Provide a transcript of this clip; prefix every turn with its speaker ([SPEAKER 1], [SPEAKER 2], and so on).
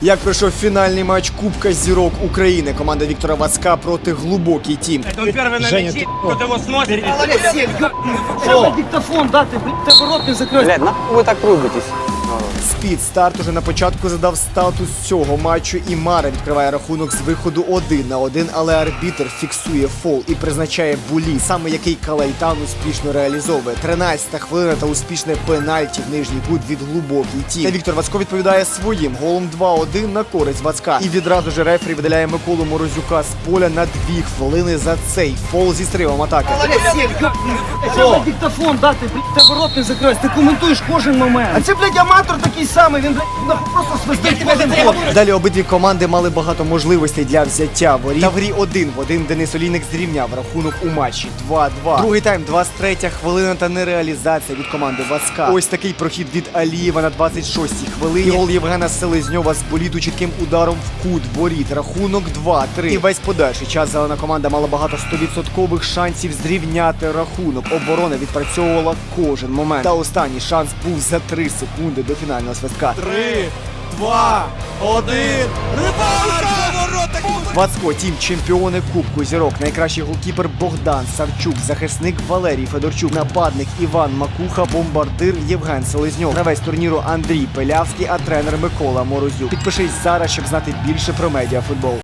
[SPEAKER 1] Як пройшов фінальний матч Кубка Зірок України, команда Віктора Вацка проти Глубокий Тім.
[SPEAKER 2] Это он первый на мяче, кто-то его смотрит.
[SPEAKER 3] Что диктофон, да, ты рот не закрой.
[SPEAKER 4] Блядь, нахуй ви так рубитесь?
[SPEAKER 1] Спід старт уже на початку задав статус цього матчу, і Мара відкриває рахунок з виходу 1-1, але арбітр фіксує фол і призначає булі, саме який Калайтан успішно реалізовує. 13-та хвилина та успішне пенальті в нижній кут від Глубокий Тім. Та Віктор Вацко відповідає своїм голом 2-1 на користь Вацка. І відразу ж рефері видаляє Миколу Морозюка з поля на 2 хвилини за цей фол зі стривом атаки.
[SPEAKER 3] Що диктофон, да, ти рот не закрой. Ти коментуєш кожен момент. А це, блядь, аматор такий самий, він, блядь, просто свистить кожен ход.
[SPEAKER 1] Далі обидві команди мали багато можливостей для взяття воріт. Та в грі 1-1 Денис Олійник зрівняв рахунок у матчі 2-2. Другий тайм, 23-я хвилина та нереалізація від команди Вацка. Ось такий прохід від Алієва на 26-й хвилині. І гол Євгена Селезньова з боліду чітким ударом в кут воріт. Рахунок 2-3. І весь подальший час зелена команда мала багато 100% шансів зрівняти рахунок. Оборона відпрацьовувала кожен момент. Та останній шанс був за 3 секунди до фінального свистка.
[SPEAKER 2] 3, 2, 1.
[SPEAKER 1] Вацко Тім, чемпіони Кубку Зірок, найкращий голкіпер Богдан Савчук, захисник Валерій Федорчук, нападник Іван Макуха, бомбардир Євген Селезньов, гравець турніру Андрій Пилявський, а тренер Микола Морозюк. Підпишись зараз, щоб знати більше про медіафутбол.